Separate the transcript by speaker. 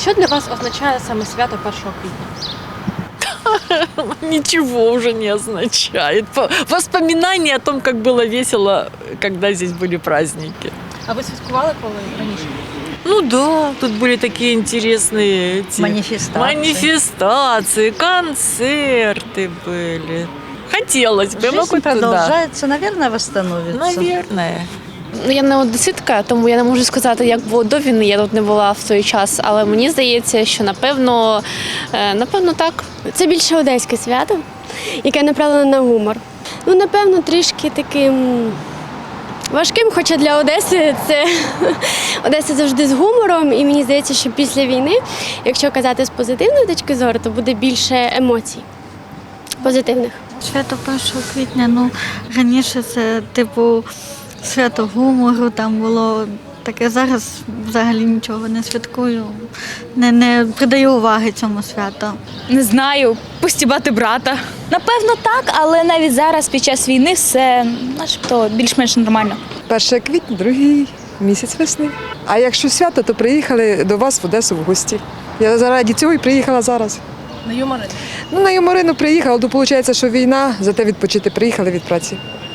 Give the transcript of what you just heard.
Speaker 1: Що для вас означає саме свято 1 квітня?
Speaker 2: Ничего уже не означает. Воспоминания о том, как было весело, когда здесь были праздники.
Speaker 1: А ви святкували коли раніше?
Speaker 2: Ну да, тут были такие интересные манифестации, концерты были. Хотелось бы.
Speaker 3: Жизнь продолжается, наверное, восстановится.
Speaker 2: Наверное.
Speaker 4: Ну, я не одеситка, тому я не можу сказати, як було до війни, я тут не була в той час, але мені здається, що напевно так.
Speaker 5: Це більше одеське свято, яке направлене на гумор. Ну, напевно, трішки таким важким, хоча для Одеси це Одеса завжди з гумором, і мені здається, що після війни, якщо казати з позитивної точки зору, то буде більше емоцій позитивних.
Speaker 6: Свято 1 квітня, ну, раніше це, типу, свято гумору, там було таке. Зараз взагалі нічого не святкую, не придаю уваги цьому святу.
Speaker 7: Не знаю, постібати брата. Напевно, так, але навіть зараз, під час війни, все начебто більш-менш нормально.
Speaker 8: 1 квітня, другий місяць весни. А якщо свято, то приїхали до вас в Одесу в гості. Я заради цього і приїхала зараз.
Speaker 1: На юморин?
Speaker 8: Ну, на Юморину приїхала, то виходить, що війна, зате відпочити приїхали від праці.